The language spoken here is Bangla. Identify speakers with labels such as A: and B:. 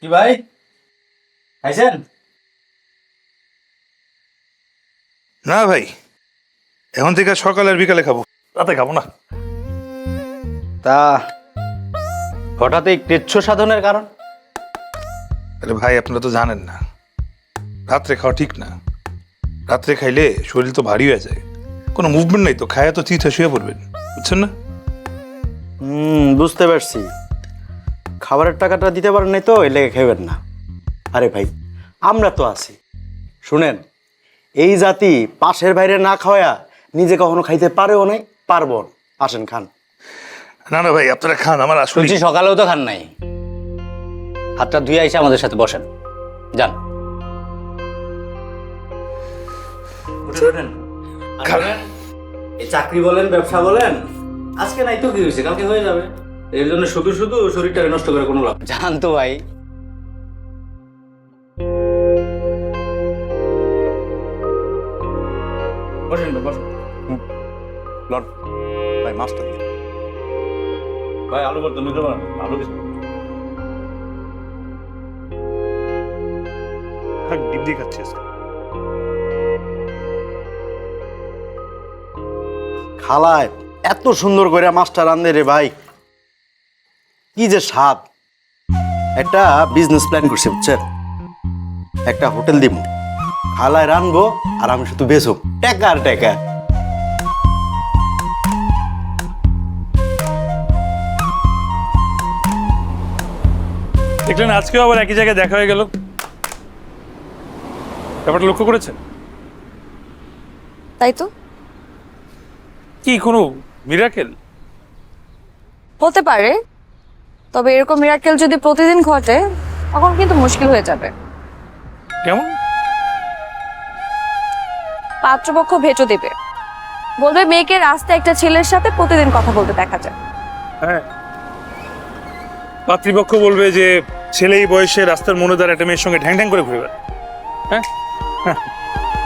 A: কি ভাই খাইছেন?
B: না ভাই, এখন থেকে সকালে আর বিকালে খাবো, রাতে খাবো না।
A: তা হঠাৎ এই কৃচ্ছ সাধনের কারণ?
B: আরে ভাই, আপনারা তো জানেন না, রাত্রে খাওয়া ঠিক না। রাত্রে খাইলে শরীর তো ভারী হয়ে যায়, কোনো মুভমেন্ট নাই তো, খায়া তো চিঠা শুয়ে পড়বেন, বুঝছেন না?
A: বুঝতে পারছি। খাবারের টাকাটা দিতে পারেন নাই তো, এই লেগে খাইবেন না। আরে ভাই, আমরা তো আছি। শুনেন, এই জাতি পাশের বাইরে না খাওয়া নিজে কখনো খাইতে পারেও নাই, পারবো না। আসেন খান।
B: না না ভাই, আপনারা খান, আমার আসলে
C: শুনছি সকালেও তো খান নাই। হাতটা ধুয়ে এসে আমাদের সাথে বসেন, যান।
A: এই চাকরি বলেন, ব্যবসা বলেন, আজকে নাই তো কি হয়েছে, কালকে হয়ে যাবে। এর জন্য শুধু শুধু শরীরটাকে নষ্ট করে কোনো লাভ নেই।
C: যান তো ভাই।
A: বসেন ভাই, বসেন। লন ভাই, মাছটা দিন ভাই। আলু ভর্তা নিতে পারেন? আলু কিছু
B: ডিম দিয়ে খাচ্ছি আজকে।
A: খালায় এত সুন্দর করে মাছটা রান্ধে রে ভাই, কি যে স্বাদ। একটা বিজনেস প্ল্যান করছি, বুঝছেন? একটা হোটেল দিব, খালায় রানবো আর আমি শুধু বেচব, টাকা আর টাকা।
B: দেখলেন, আজকেও আবার একই জায়গায় দেখা হয়ে গেল। ব্যাপারটা লক্ষ্য করেছেন?
D: তাই তো
B: কি কোনো মিরাকেল?
D: হতে পারে, তবে এরকম মিরাকেল যদি প্রতিদিন ঘটে তখন কিন্তু মুশকিল হয়ে যাবে।
B: কেমন?
D: পাত্রপক্ষ ভেটো দেবে, বলবে মেয়েকে রাস্তায় একটা ছেলের সাথে প্রতিদিন কথা বলতে দেখা যায়।
B: হ্যাঁ, পাত্রীপক্ষ বলবে যে ছেলে এই বয়সে রাস্তার মনে দাঁড়া একটা মেয়ের সঙ্গে ঢ্যাং ঢ্যাং করে ঘুরে বেড়ায়। হ্যাঁ,